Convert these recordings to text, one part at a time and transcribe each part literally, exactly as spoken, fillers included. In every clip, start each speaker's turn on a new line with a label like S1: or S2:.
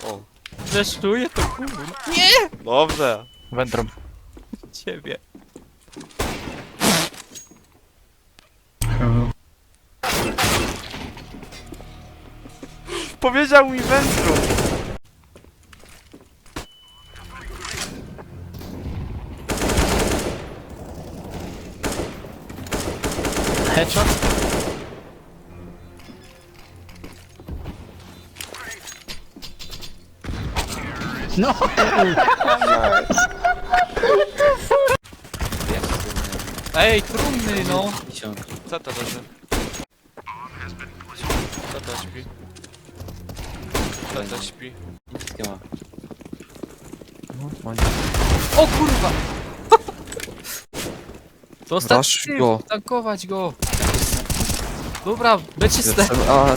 S1: O.
S2: Zeszczuję to kurwa.
S1: Dobrze.
S3: Wędrą.
S2: Ciebie.
S1: Powiedział mi wędru.
S3: Headshot? No!
S2: Ej, trumny no!
S1: Co to leży? Co to śpi? Co to śpi?
S4: Wszystkie ma.
S2: O kurwa! Dostać
S5: Rush
S2: tył,
S5: go.
S2: tankować go! Dobra, beczyste!
S5: A,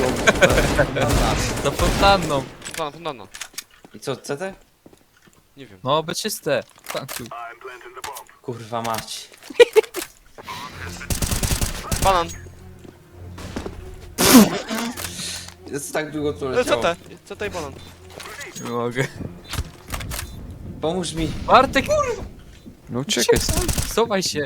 S2: Za fontanną!
S1: Fontanna, fontanna.
S4: I co, C T?
S1: Nie wiem.
S2: No, beczyste! Tankuj.
S4: Kurwa mać.
S1: Banan.
S4: Jest tak długo tu
S1: E,
S4: leciało.
S1: Co te? Co te i banan?
S2: Nie mogę.
S4: Pomóż mi.
S2: Bartek!
S5: no uciekaj.
S2: Schowaj się!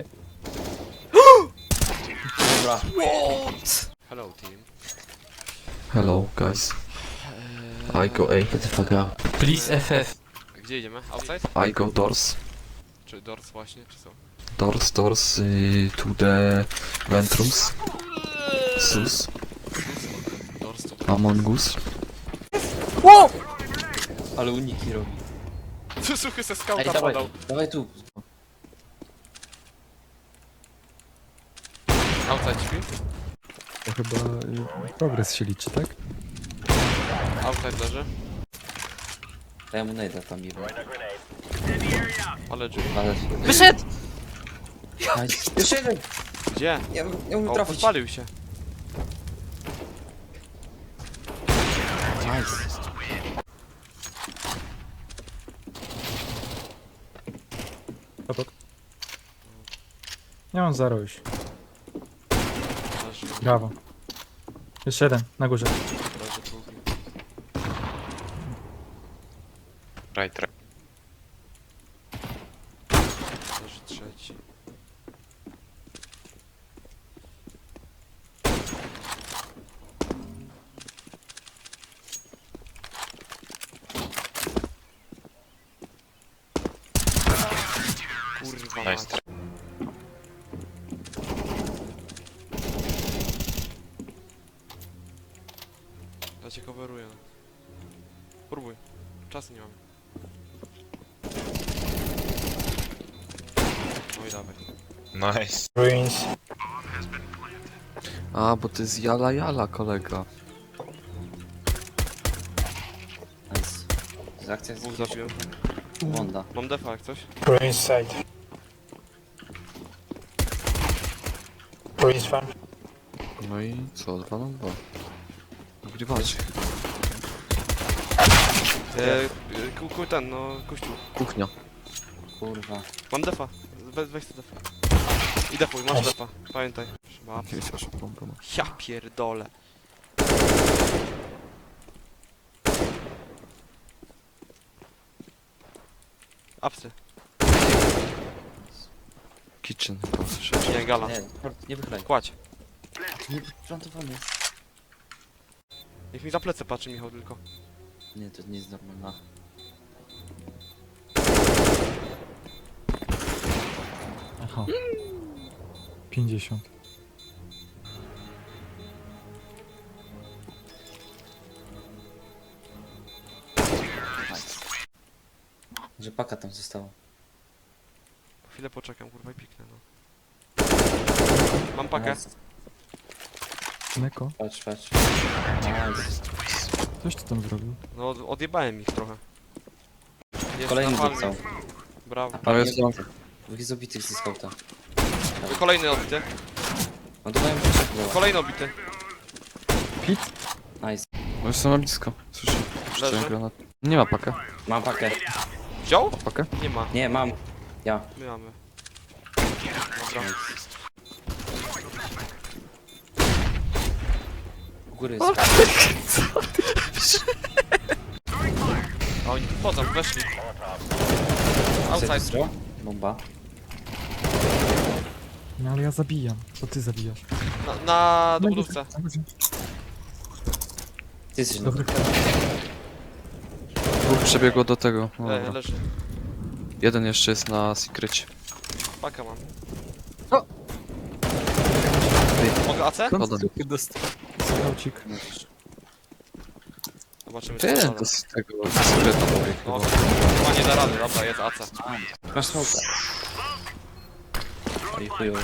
S4: Dobra.
S1: Hello team.
S5: Hello, guys. I go A.
S4: Get the fuck out.
S2: Please F F.
S1: Gdzie idziemy? Outside?
S5: I go doors.
S1: Czy doors właśnie, czy co?
S5: Doors, doors y, to the ventrums. Sus.
S1: Doors to...
S5: Among Us.
S4: Ale uniki robi.
S1: Tu suchy se
S4: Ej,
S1: skauta
S4: dawaj,
S1: podał.
S4: dawaj tu.
S1: Outside śpi?
S6: To chyba y, progres się liczy, tak?
S1: Outside leży.
S4: Daj mu najda tam i
S1: Ale drzwi.
S4: ale...
S2: Wyszedł!
S4: Nice. Jeszcze jeden!
S1: Gdzie?
S4: Nie, nie umiem
S1: O,
S4: trafić.
S1: podpalił się.
S4: Nice.
S6: Obok. Nie mam zero już.
S1: Leży,
S6: Brawo. Jeszcze jeden, na górze.
S1: leży drugi.
S3: Right, right.
S1: Leży trzeci. Kurwa mać.
S3: Nice.
S1: Ja cię coveruję. Próbuj. Czasu nie mam. No i dawaj.
S3: Nice.
S5: A, bo to jest jala jala, kolega.
S4: Nice. Z akcja
S1: Dwóch
S4: z
S1: zabiłem.
S4: Wonda.
S1: Mam defa jak coś.
S7: Ruins side. Ruins farm.
S5: No i co? Dwa na dwa. Wygrywacie.
S1: Eee, ku, ku, ten, no, kościół.
S5: Kuchnia.
S4: Kurwa.
S1: Mam defa. We, weź sobie defa. I defuj, masz defa. Pamiętaj. Ma.
S5: Nie wiedział, że bombę ma.
S1: Ja pierdolę. Apsy.
S5: Kitchen chyba słyszałeś.
S1: Nie, gala.
S4: Nie, nie wychylaj.
S1: Kładź.
S4: Nie, plantowany jest.
S1: Niech mi za plecy patrzy Michał tylko.
S4: Nie, to nie jest normalna.
S6: Aha. pięćdziesiąt.
S4: Nice. Że paka tam została.
S1: Po chwilę poczekam, kurwa i piknę, no. Mam pakę.
S4: Nice.
S6: Neko,
S4: Patrz, patrz. Nice.
S6: coś ty tam zrobił?
S1: No, od- odjebałem ich trochę. Jest
S4: Kolejny
S1: na palmie.
S4: został.
S1: Brawo.
S5: Ale jest tam.
S4: Dwóch jest obitych ze skauta.
S1: Kolejny obity.
S4: No to mają proszę chyba.
S1: Kolejny obity.
S4: Nice.
S5: No jestem na blisko. Słyszę.
S1: Leży.
S5: Jeszcze granat. Nie ma pakę.
S4: Mam pakę.
S1: Wziął?
S5: Pakę?
S1: Nie ma.
S4: Nie, mam. Ja.
S1: My mamy. Dobra.
S4: U góry jest.
S1: A oni tu wchodzą, weszli. Outside.
S4: Outside. Bomba.
S6: No ale ja zabijam. To ty zabijasz.
S1: Na, na dobudówce.
S4: Ty jesteś na
S6: Dobry
S5: Dwóch przebiegło do tego. No,
S1: Le,
S5: dobra.
S1: leży.
S5: Jeden jeszcze jest na secrecie.
S1: Paka mam.
S2: O!
S1: Mogę A C?
S5: Szkoda.
S2: Dostał.
S6: skaucik.
S1: Zobaczymy
S5: Ty,
S1: co
S5: to z tego secreta pobiegł
S1: No,
S5: chyba.
S1: chyba nie da rady, dobra, jest A C.
S4: Masz smoka. Oj chujowy.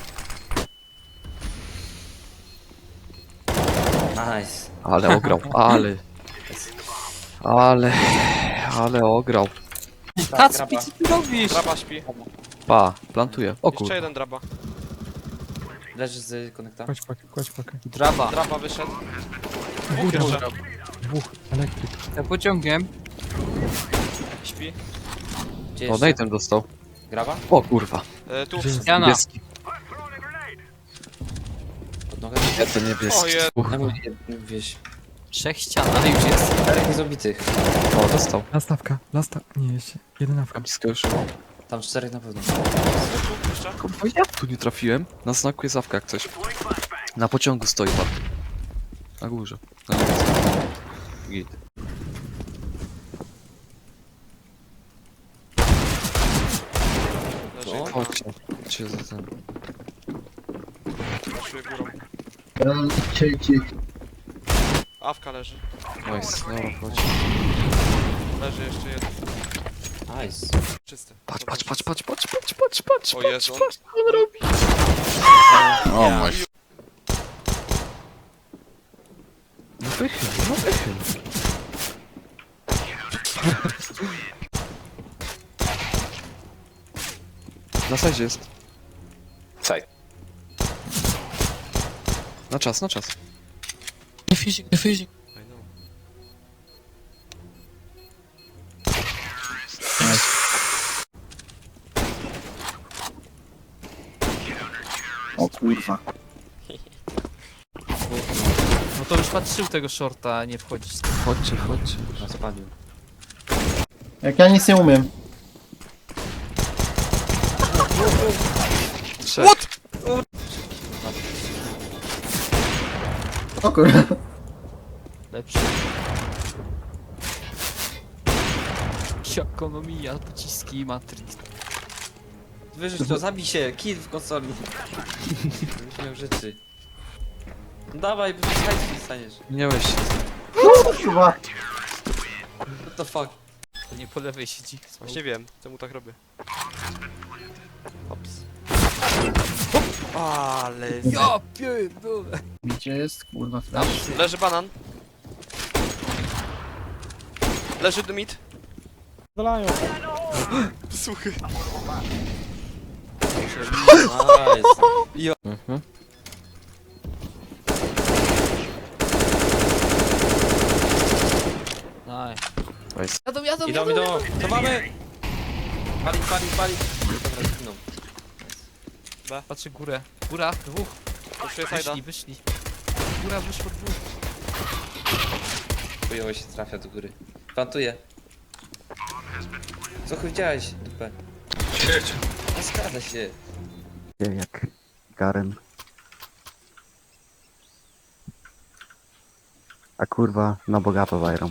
S4: Nice.
S5: Ale ograł, ale... Ale... Ale ograł.
S2: Kacpi, co ty robisz?
S1: Draba śpi.
S5: Pa, plantuje. O
S1: Jeszcze
S5: kur...
S1: jeden draba.
S4: Leży z konekta.
S6: Kładź pakę, kładź pakę.
S2: Draba.
S1: Draba wyszedł. Dwóch
S6: Góra.
S1: jeszcze.
S6: Dwóch. Elektryk.
S2: Ja pociągiem.
S1: Śpi.
S4: Gdzie
S5: O,
S4: jeszcze?
S5: Nathan dostał.
S4: Graba?
S5: O kurwa.
S1: E, tu.
S6: Gdzie jest?
S2: Jana.
S5: Niebieski.
S4: Pod nogę?
S5: Ja to niebieski.
S1: O, je-
S5: Uch.
S4: Na mnie jednym wieś.
S2: Trzech ścian, ale już jest.
S4: Czterech niezobitych.
S5: O, dostał.
S6: Nastawka. Lasta... Nie, jeszcze. Jedenawka.
S5: Blisko już.
S4: Tam czterech na pewno.
S1: Tu jeszcze.
S5: Kurwa, ja tu nie trafiłem. Na znaku jest awka jak coś. Na pociągu stoi tam. Na górze. Na niebieskim. Git.
S1: Leży.
S4: Co?
S5: Chodźcie. Chodźcie za ten.
S1: Pasuje górą. Awka leży.
S5: Nice, dobra, chodź.
S1: Leży jeszcze jeden.
S4: Nice.
S1: Czysty.
S5: Patrz, patrz, patrz, patrz, patrz, patrz, patrz, patrz,
S1: O Jezu.
S5: patrz,
S1: on-
S5: on robi. O
S1: Ja-
S5: mój. No wychyl, no wychyl. Na sajdzie jest.
S3: Side.
S5: Na czas, na czas.
S2: Nie fizik, nie fizik.
S1: I know.
S7: O kurwa.
S2: No to już patrzył tego shorta, a nie wchodzić.
S5: Chodźcie, chodźcie.
S4: Na spalił.
S7: Jak ja nic nie umiem.
S5: Trzech.
S1: What?
S7: O kurwa.
S2: Lepszy. Ekonomia, pociski, Matrix.
S4: Wyrzuć to, zabij się, kill w konsoli. Będziesz miał rzeczy. No dawaj, bo hajs staniesz.
S5: Nie weź się.
S7: Kurwa.
S4: What the fuck?
S2: To nie po lewej siedzi.
S1: Właśnie wiem, czemu tak robię. Ops. Ale...
S2: Ja pierdolę.
S7: Gdzie jest kurwa flash?
S1: Leży banan. Leży mid.
S6: Dolają.
S1: Suchy.
S4: Nice.
S5: Mhm.
S2: Daj.
S5: Nice.
S2: Jadą, jadą,
S4: Idą,
S2: jadą.
S4: idą. To mamy! Pali, pali, pali. Dobra, zginął.
S2: Patrzę górę. Góra, dwóch.
S1: Puszuję sajda.
S2: Wyszli, wyszli. Góra, wyszło dwóch.
S4: Chujowo się trafia do góry. Plantuję. Co chuj widziałeś, dupę? Nie zgadza się.
S7: Jak Garen. A kurwa, na bogato zajrą.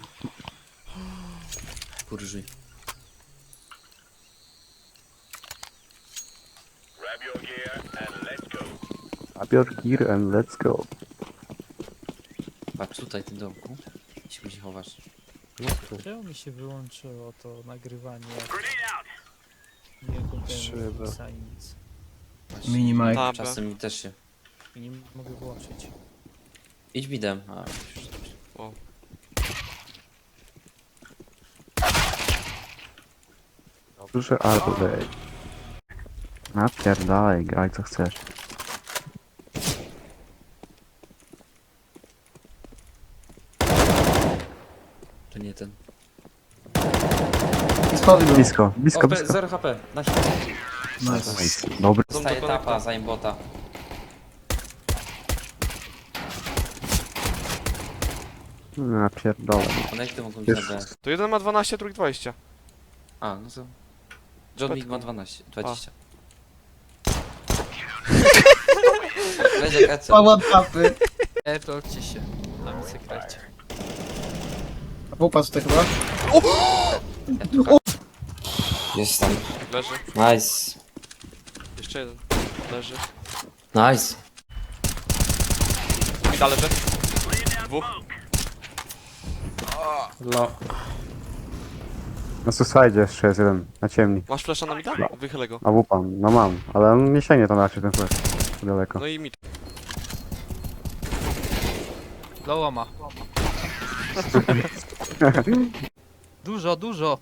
S4: Kurży.
S7: Grab your gear and let's go.
S4: Patrz tutaj, w tym domku. Gdzie się gdzie chowasz?
S2: Czemu mi się wyłączyło to nagrywanie? Nie
S5: Szyba.
S2: kontynuuję nic.
S7: Minimaj.
S1: Tabę.
S4: Czasem mi też się.
S2: I nie mogę włączyć.
S4: Idź bidem. A, już.
S1: O.
S7: Duży albo lej. Napierdalaj, graj co chcesz.
S4: To nie ten.
S7: Blisko, blisko,
S4: O,
S7: blisko.
S4: zero H P. Na hit.
S7: Nice. Dobry.
S1: Dom do
S4: Staje
S1: konekta.
S4: tapa, zanim bota.
S7: No, ja pierdolę.
S4: One jak to mogą być na B?
S1: To jeden ma dwanaście, drugi dwadzieścia.
S4: A, no to... John Wick ma dwanaście, dwadzieścia. Będzie kaca.
S8: Pałat papy.
S2: E, to odcie się. Na mi sekrecie.
S8: Popatrz to chyba.
S4: Jest tam.
S1: Leży.
S4: Nice.
S1: Jeszcze jeden. Leży.
S4: Nice.
S1: I dalej leży. Dwóch.
S4: Lo.
S7: Na suicide jeszcze jest jeden, na ciemni.
S1: Masz flesza na mida? Wychylę go.
S7: A wupan, no mam, ale on nie sięgnie tam raczej ten flash. Daleko.
S1: No i mid.
S2: Loła ma. Dużo, dużo.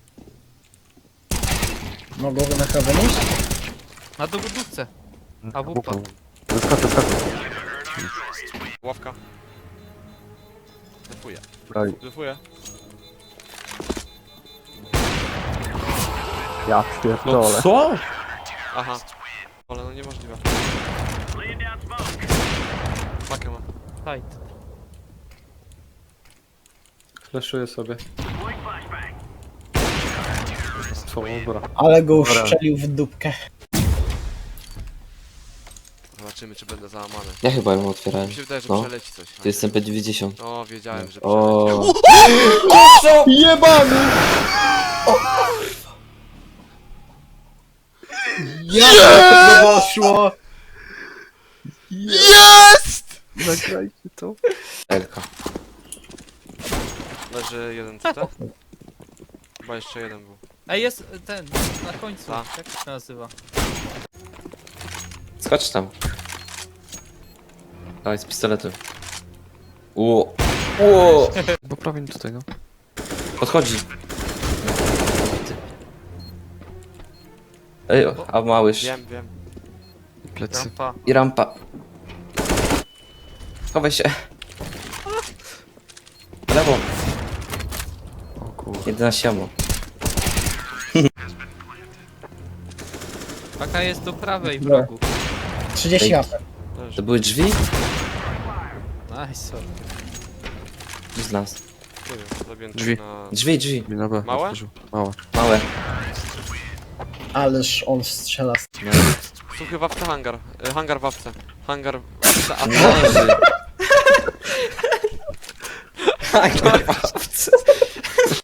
S8: Mogą na chawę iść?
S2: Na dowódcę. A wupa.
S7: Wyskoczę, wyskoczę.
S1: Ławka. Defuję.
S7: Broj.
S1: Defuję.
S7: Ja pierdolę.
S4: Co?
S1: Aha. Ale no niemożliwe. Pakę mam.
S2: Tight.
S6: Fleszuję sobie. Dobra.
S8: Ale go uszczelił w dupkę.
S1: Zobaczymy czy będę załamany.
S4: Ja chyba ją otwierałem.
S1: Mi się wydaje, że
S4: No.
S1: przeleci coś.
S4: To jestem P dziewięćdziesiąt.
S1: O, wiedziałem, że przeleci.
S4: O.
S8: Jebany! Jak to poszło?
S1: Jest!
S7: Nagrajcie to.
S4: Elka.
S1: Leży jeden C T. Chyba jeszcze jeden był.
S2: Ej, jest ten, na końcu.
S1: Ta.
S2: Jak to się nazywa?
S4: Skocz tam. Dawaj z pistoletem. Ło. Ło.
S5: Poprawię tutaj, no.
S4: Podchodzi. Ej, a małyż.
S1: Wiem, wiem.
S5: Plecy.
S2: Rampa.
S4: I rampa. Chowaj się. Lewo.
S5: O kurwa.
S4: jedenaście ammo.
S2: Paka jest do prawej w
S8: Dobra.
S2: rogu.
S8: trzydzieści
S4: Ej.
S8: apek.
S1: Leży.
S4: To były drzwi?
S2: Nice, sorry.
S4: Gdzie z nas?
S1: Nie wiem, zabiję
S5: Drzwi.
S1: na...
S4: Drzwi, drzwi.
S5: Na B.
S1: Małe?
S5: otworzył. Małe.
S4: Małe.
S8: Ależ on strzela. z-
S1: Suchy wawce hangar. Y, hangar wawce. Hangar wawce. A
S4: Noży. Tak, kurwa.